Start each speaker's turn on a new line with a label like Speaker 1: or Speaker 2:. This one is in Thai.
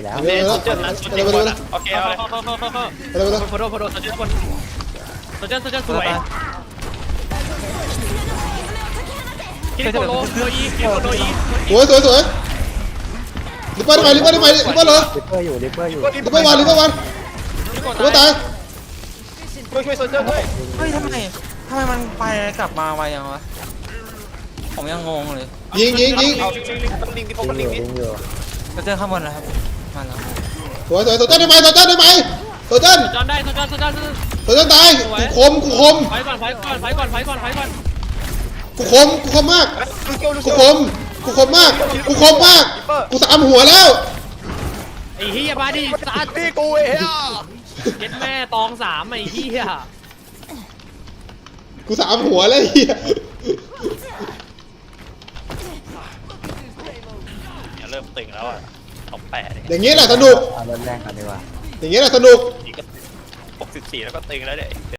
Speaker 1: แล้ว
Speaker 2: เดี๋ยว
Speaker 3: เจอแล้วโอเคเอาเลย
Speaker 2: ไปเลย
Speaker 3: โฟโต้โซเจอร์บนโซเจอร์สวยกินโคโลอีกินโคโลอี
Speaker 2: สวยลิปเปอร์ได้ไหมลิปเปอร์เหรอ
Speaker 1: ลิปเปอร์อยู่ลิปเปอร์อยู่
Speaker 2: ลิปเปอร์วันลิปเปอร์ตาย
Speaker 3: ช่วยโซเจอร์ด้วย
Speaker 4: เฮ้ยทำไมมันไปกลับมาไวยังวะผมยังงงเลย
Speaker 2: ยิง
Speaker 3: เอาลิงที่พบกันลิง
Speaker 1: ยิ
Speaker 3: นี่
Speaker 1: งอยู่
Speaker 4: จะเจอข้างบนแล้วครับมาแล้ว
Speaker 2: สวยโซเจอร์ได้ไหมโซเจอร์ตาย
Speaker 3: โซเจอร์
Speaker 2: ตายกูคม
Speaker 3: ไฟก่อน
Speaker 2: กูคมมากกูคมมากกูสามหัวแล้ว
Speaker 3: ไอ้เฮียมาดิสัตว์ตีกูเฮียเก็ตแม่ตอง3ไอ้เฮีย
Speaker 2: กูสามหัวแล้วเฮีย
Speaker 3: เริ่มตึงแล้วอ่ะท็อป8
Speaker 2: อย่างงี้แหละสนุก
Speaker 1: เอารถแรงกันดีกว่า
Speaker 2: อย่างงี้แหละสนุก
Speaker 3: 64แล้วก็ตึงแล้วเนี่ย